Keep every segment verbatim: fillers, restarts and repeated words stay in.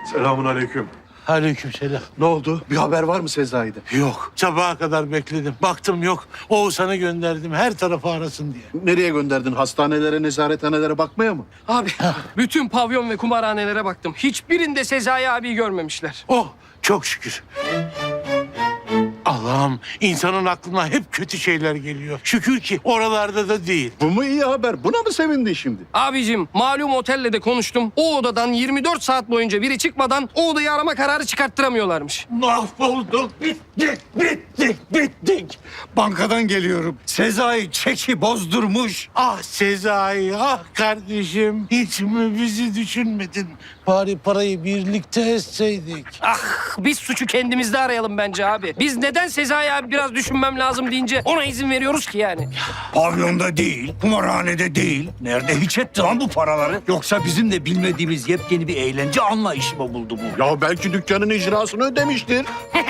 Selamun aleyküm. Aleykümselam. Ne oldu? Bir haber var mı Sezai'de? Yok. Sabaha kadar bekledim. Baktım yok. Oğuzhan'ı gönderdim her tarafı arasın diye. Nereye gönderdin? Hastanelere, nezarethanelere bakmaya mı? Abi bütün pavyon ve kumarhanelere baktım. Hiçbirinde Sezai abiyi görmemişler. Oh çok şükür. Allah'ım insanın aklına hep kötü şeyler geliyor. Şükür ki oralarda da değil. Bu mu iyi haber? Buna mı sevindin şimdi? Abicim malum otelle de konuştum. O odadan yirmi dört saat boyunca biri çıkmadan o odayı arama kararı çıkarttıramıyorlarmış. Mahvolduk. Bittik, bittik, bittik. Bankadan geliyorum. Sezai çeki bozdurmuş. Ah Sezai, ah kardeşim. Hiç mi bizi düşünmedin? Bari parayı birlikte etseydik. Ah biz suçu kendimizde arayalım bence abi. Biz neden Sezai abi biraz düşünmem lazım deyince ona izin veriyoruz ki yani? Pavyonda değil, kumarhanede değil. Nerede hiç etti lan bu paraları? Yoksa bizim de bilmediğimiz yepyeni bir eğlence anlayışı mı buldu bu? Ya belki dükkanın icrasını ödemiştir.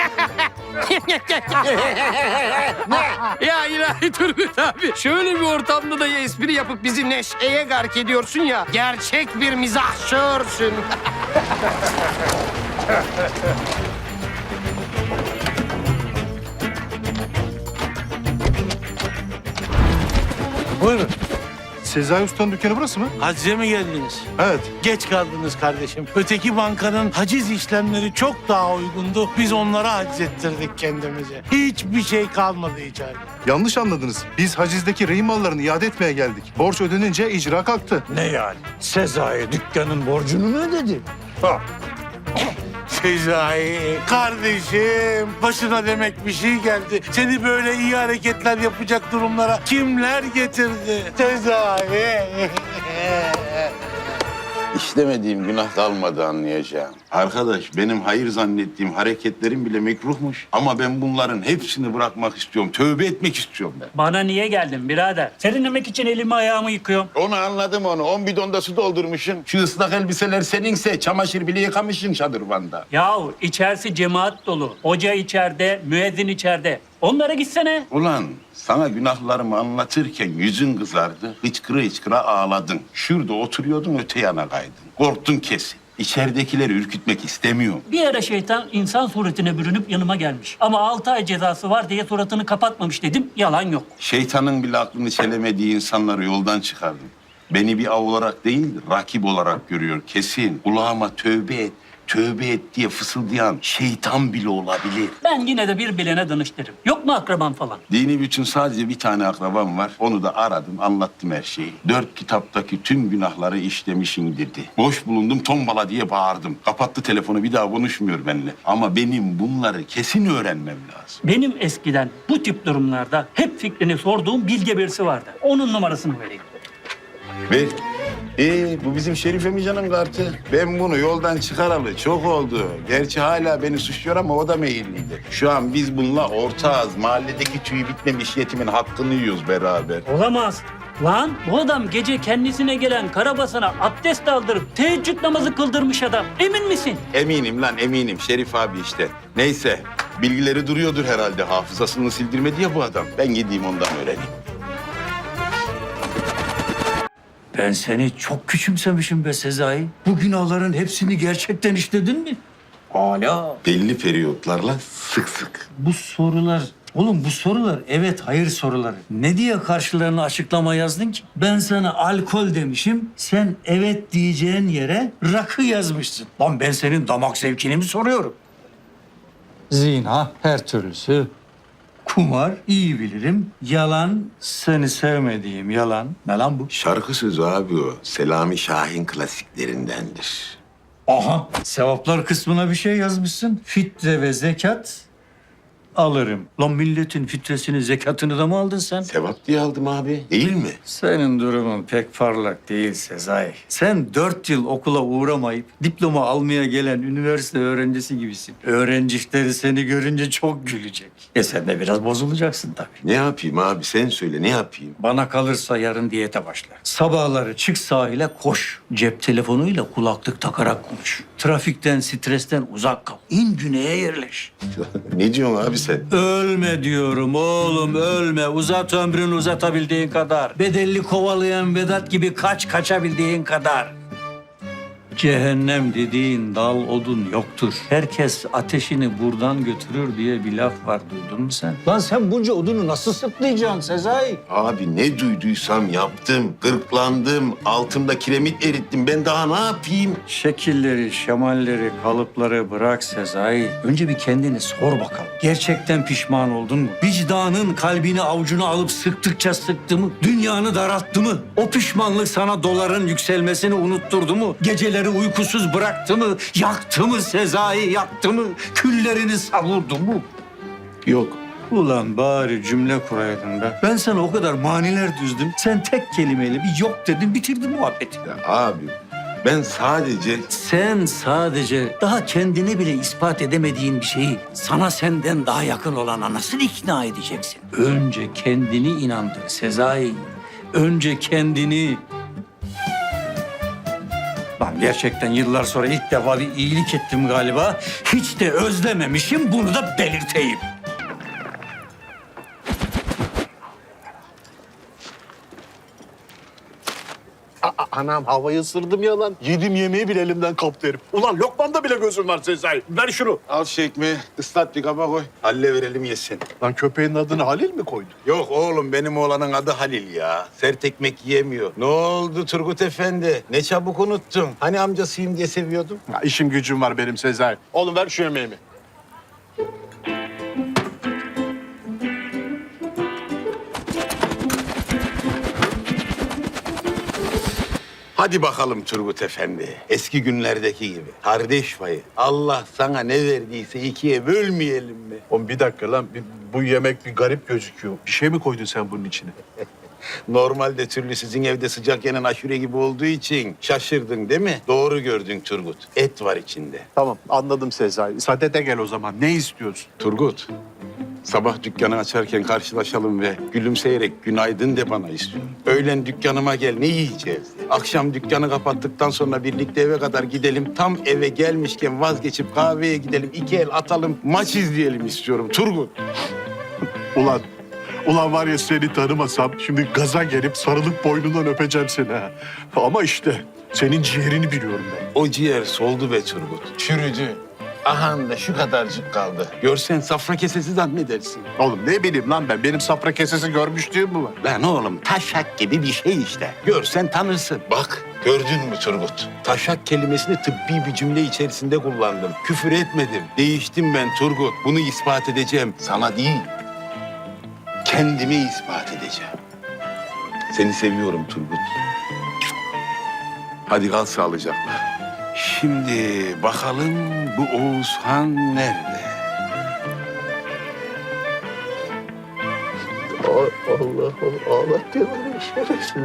Ya ilahi Turgut abi. Şöyle bir ortamda da ya espri yapıp bizi neşeye gark ediyorsun ya. Gerçek bir mizahşörsün. Buyurun. Sezai Usta'nın dükkanı burası mı? Hacize mi geldiniz? Evet. Geç kaldınız kardeşim. Öteki bankanın haciz işlemleri çok daha uygundu. Biz onlara haciz ettirdik kendimize. Hiçbir şey kalmadı içeride. Yanlış anladınız. Biz hacizdeki rehin mallarını iade etmeye geldik. Borç ödenince icra kalktı. Ne yani? Sezai dükkanın borcunu mu ödedi? Ha. Sezai, kardeşim başına demek bir şey geldi. Seni böyle iyi hareketler yapacak durumlara kimler getirdi? Sezai. İşlemediğim günah kalmadı anlayacağım. Arkadaş benim hayır zannettiğim hareketlerim bile mekruhmuş. Ama ben bunların hepsini bırakmak istiyorum. Tövbe etmek istiyorum ben. Bana niye geldin birader? Serinlemek için elimi ayağımı yıkıyorum. Onu anladım onu. On bidonda su doldurmuşsun. Şu ıslak elbiseler seninse çamaşır bile yıkamışsın şadırvanda. Yahu içerisi cemaat dolu. Hoca içeride, müezzin içeride. Onlara gitsene. Ulan sana günahlarımı anlatırken yüzün kızardı. Hıçkıra hıçkıra ağladın. Şurada oturuyordun öte yana kaydın. Korktun kesin. İçeridekileri ürkütmek istemiyorum. Bir ara şeytan insan suretine bürünüp yanıma gelmiş. Ama altı ay cezası var diye suratını kapatmamış dedim. Yalan yok. Şeytanın bile aklını çelemediği insanları yoldan çıkardım. Beni bir av olarak değil, rakip olarak görüyor kesin. Kulağıma tövbe et, tövbe et diye fısıldayan şeytan bile olabilir. Ben yine de bir bilene danıştırırım. Yok mu akraban falan? Dini bütün sadece bir tane akrabam var. Onu da aradım, anlattım her şeyi. Dört kitaptaki tüm günahları işlemişin dedi. Boş bulundum, tombala diye bağırdım. Kapattı telefonu, bir daha konuşmuyor benimle. Ama benim bunları kesin öğrenmem lazım. Benim eskiden bu tip durumlarda hep fikrini sorduğum bilge birisi vardı. Onun numarasını vereyim. Ver. Ee, bu bizim Şerif Emican'ın kartı. Ben bunu yoldan çıkaralı çok oldu. Gerçi hala beni suçluyor ama o da meyilliydi. Şu an biz bununla ortağız. Mahalledeki tüyü bitmemiş yetimin hakkını yiyoruz beraber. Olamaz. Lan bu adam gece kendisine gelen karabasan'a abdest aldırıp teheccüd namazı kıldırmış adam. Emin misin? Eminim lan eminim. Şerif abi işte. Neyse. Bilgileri duruyordur herhalde. Hafızasını sildirmedi ya bu adam. Ben gideyim ondan öğreneyim. Ben seni çok küçümsemişim be Sezai. Bu günahların hepsini gerçekten işledin mi? Hala. Belli periyotlarla sık sık. Bu sorular... Oğlum bu sorular evet hayır soruları. Ne diye karşılarına açıklama yazdın ki? Ben sana alkol demişim. Sen evet diyeceğin yere rakı yazmışsın. Lan ben senin damak zevkini mi soruyorum? Zina her türlüsü. Kumar iyi bilirim. Yalan seni sevmediğim yalan. Ne lan bu? Şarkı sözü abi o. Selami Şahin klasiklerindendir. Aha sevaplar kısmına bir şey yazmışsın. Fitre ve zekat alırım. Lan milletin fitresini zekatını da mı aldın sen? Sevap diye aldım abi. Değil mi? Senin durumun pek parlak değil Sezai. Sen dört yıl okula uğramayıp diploma almaya gelen üniversite öğrencisi gibisin. Öğrencileri seni görünce çok gülecek. E sen de biraz bozulacaksın tabii. Ne yapayım abi sen söyle ne yapayım? Bana kalırsa yarın diyete başla. Sabahları çık sahile koş. Cep telefonuyla kulaklık takarak konuş. Trafikten, stresten uzak kal. İn güneye yerleş. Ne diyorsun abi sen? Ölme diyorum oğlum ölme. Uzat ömrünü uzatabildiğin kadar. Bedelli kovalayan Vedat gibi kaç kaçabildiğin kadar. Cehennem dediğin dal odun yoktur. Herkes ateşini buradan götürür diye bir laf var, duydun mu sen? Lan sen bunca odunu nasıl sırtlayacaksın Sezai? Abi ne duyduysam yaptım. Gırklandım, altımda kiremit erittim. Ben daha ne yapayım? Şekilleri, şemalleri, kalıpları bırak Sezai. Önce bir kendini sor bakalım. Gerçekten pişman oldun mu? Vicdanın kalbini avucuna alıp sıktıkça sıktı mı? Dünyanı daralttı mı? O pişmanlık sana doların yükselmesini unutturdu mu? Geceleri uykusuz bıraktı mı? Yaktı mı Sezai, yaktı mı? Küllerini savurdu mu? Yok. Ulan bari cümle kuraydın be. Ben sana o kadar maniler düzdüm. Sen tek kelimeyle bir yok dedin, bitirdin muhabbeti. Ya abi ben sadece... Sen sadece daha kendine bile ispat edemediğin bir şeyi sana senden daha yakın olana nasıl ikna edeceksin? Önce kendini inandır Sezai. Önce kendini. Lan gerçekten yıllar sonra ilk defa bir iyilik ettim galiba. Hiç de özlememişim, bunu da belirteyim. Anam havayı ısırdım ya lan. Yedim yemeği bile elimden kaptı herif. Ulan lokmanda bile gözüm var Sezai. Ver şunu. Al şu ekmeği, ıslat bir kaba koy. Halle verelim yesin. Lan köpeğin adını Halil mi koydun? Yok oğlum, benim oğlanın adı Halil ya. Sert ekmek yiyemiyor. Ne oldu Turgut Efendi? Ne çabuk unuttun. Hani amcasıyım diye seviyordum. Ya işim gücüm var benim Sezai. Oğlum ver şu yemeğimi. Hadi bakalım Turgut Efendi. Eski günlerdeki gibi. Kardeş payı. Allah sana ne verdiyse ikiye bölmeyelim mi? Oğlum bir dakika lan. Bir- bu yemek bir garip gözüküyor. Bir şey mi koydun sen bunun içine? Normalde türlü sizin evde sıcak yenen aşure gibi olduğu için şaşırdın değil mi? Doğru gördün Turgut. Et var içinde. Tamam anladım Sezai. Sadete gel o zaman. Ne istiyorsun? Turgut, sabah dükkanı açarken karşılaşalım ve gülümseyerek günaydın de bana istiyorum. Öğlen dükkanıma gel, ne yiyeceğiz? Akşam dükkanı kapattıktan sonra birlikte eve kadar gidelim. Tam eve gelmişken vazgeçip kahveye gidelim. İki el atalım, maç izleyelim istiyorum Turgut. Ulan, ulan var ya seni tanımasam şimdi gaza gelip sarılıp boynundan öpeceğim seni ha. Ama işte senin ciğerini biliyorum ben. O ciğer soldu be Turgut, çürüdü. Ahan da şu kadarcık kaldı. Görsen safra kesesi zannedersin. Oğlum ne bileyim lan ben. Benim safra kesesi görmüşlüğüm mü var? Lan oğlum taşak gibi bir şey işte. Görsen tanırsın. Bak gördün mü Turgut? Taşak kelimesini tıbbi bir cümle içerisinde kullandım. Küfür etmedim. Değiştim ben Turgut. Bunu ispat edeceğim. Sana değil. Kendime ispat edeceğim. Seni seviyorum Turgut. Hadi kal sağlıcakla. Şimdi bakalım bu Oğuzhan nerede? Allah Allah. Ağlat diyor bana şerefsiz.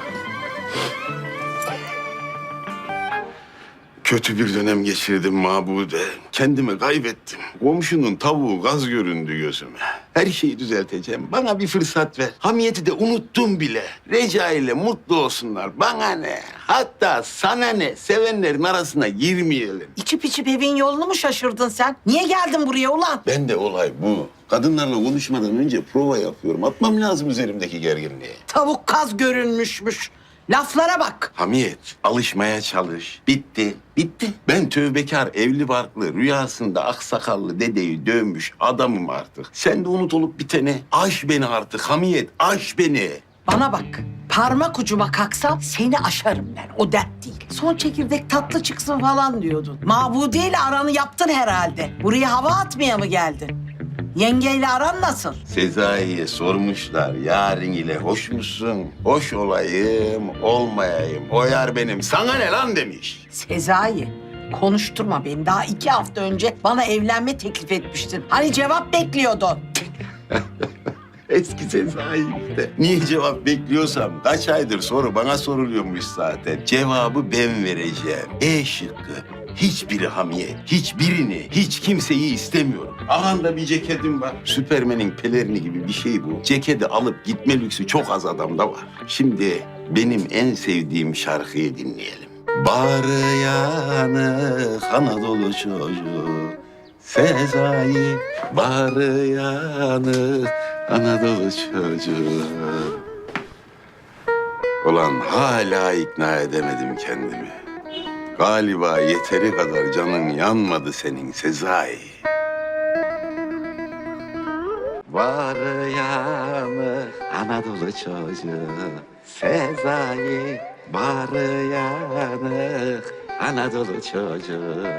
Kötü bir dönem geçirdim Mabude. Kendimi kaybettim. Komşunun tavuğu gaz göründü gözüme. Her şeyi düzelteceğim. Bana bir fırsat ver. Hamiyeti de unuttum bile. Reca ile mutlu olsunlar. Bana ne? Hatta sana ne? Sevenlerin arasına girmeyelim. İçip içip evin yolunu mu şaşırdın sen? Niye geldin buraya ulan? Ben de olay bu. Kadınlarla konuşmadan önce prova yapıyorum. Atmam lazım üzerimdeki gerginliği. Tavuk kaz görünmüşmüş. Laflara bak. Hamiyet, alışmaya çalış. Bitti, bitti. Ben tövbekar, evli barklı, rüyasında aksakallı dedeyi dövmüş adamım artık. Sen de unut olup biteni. Aş beni artık Hamiyet, aş beni. Bana bak. Parmak ucuma kalksam seni aşarım ben. O dert değil. Son çekirdek tatlı çıksın falan diyordun. Mabude ile aranı yaptın herhalde. Buraya hava atmaya mı geldin? Yengeyle aran nasıl? Sezai'ye sormuşlar, yarın ile hoş musun? Hoş olayım, olmayayım. O yar benim, sana ne lan demiş. Sezai, konuşturma beni. Daha iki hafta önce bana evlenme teklif etmiştin. Hani cevap bekliyordun. Eski Sezai işte. Niye cevap bekliyorsam kaç aydır soru bana soruluyormuş zaten. Cevabı ben vereceğim. E şıkkı. Hiçbiri Hamiyet, hiçbirini, hiç kimseyi istemiyorum. Ahanda bir ceketim var. Süpermen'in pelerini gibi bir şey bu. Ceketi alıp gitme lüksü çok az adamda var. Şimdi benim en sevdiğim şarkıyı dinleyelim. Bağrı yanık Anadolu çocuğu Sezai, bağrı yanık Anadolu çocuğu. Ulan hala ikna edemedim kendimi. Galiba yeteri kadar canın yanmadı senin Sezai. Var yanı Anadolu çocuğu Sezai. Var yanı Anadolu çocuğu.